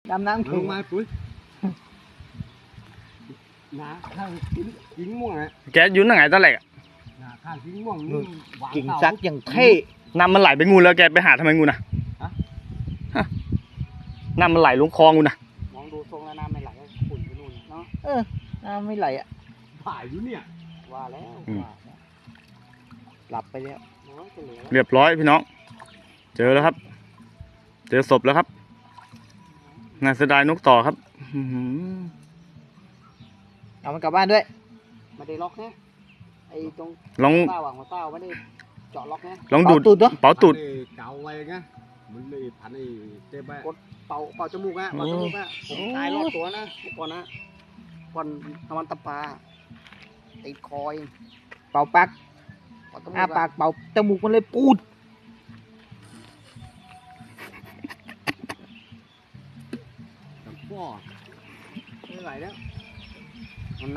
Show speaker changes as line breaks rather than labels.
ดำน้ำ
ล
เข่ง
งมาปุ้ยหนาข้างกิ่งม่วงอ่ะ
แกยืนตั้งไหนตั้งแหลก
หนาข้างกิ่งม่วงนี่หวาน
กิ่ง
เต่า
ซักอย่างเท่
น้ำมันไหลไปงูแล้วแกไปหาทำไมงูน่ะฮะน้ำมันไหลลงคลองงูน่ะ
มองดูทรงแล้วน้ำไม่ไหลก็ขุ่นไปนู่นเนาะ
น้ำไม่ไหลอ่ะ
ถ่ายอยู่เนี่ย
ว่าแล้วว่า
หลับไปแล้ว
น้องจะเหลือ
เรียบร้อยพี่น้องเจอแล้วครับ เจอศพแล้วครับน่าเสียดายนกต่อครับอื้อหือ
เอามันกลับบ้านด้วย
ไม่ได้ล็อกนะไอ้ตรง
ลอง
เต้าหัวเต้าไม่ได้เจาะล็อกนะ
ลองดูด
เป่าตูดเนอะ
เป่าตูด
พันไอ้เก่าไว้ไงมันเลยพันไอ้เจ็บไป
เป่าจมูกอะเป่าจมูกอะผมตายรอดตัวนะเมื่อก่อนนะก่อนทำมันตะปาติดคอย
เป่าปาก
เป่าจมูก
อ้าปากเป่าจมูกมันเลยปูด
กับพ่อ
ไม่ไหวแล้ว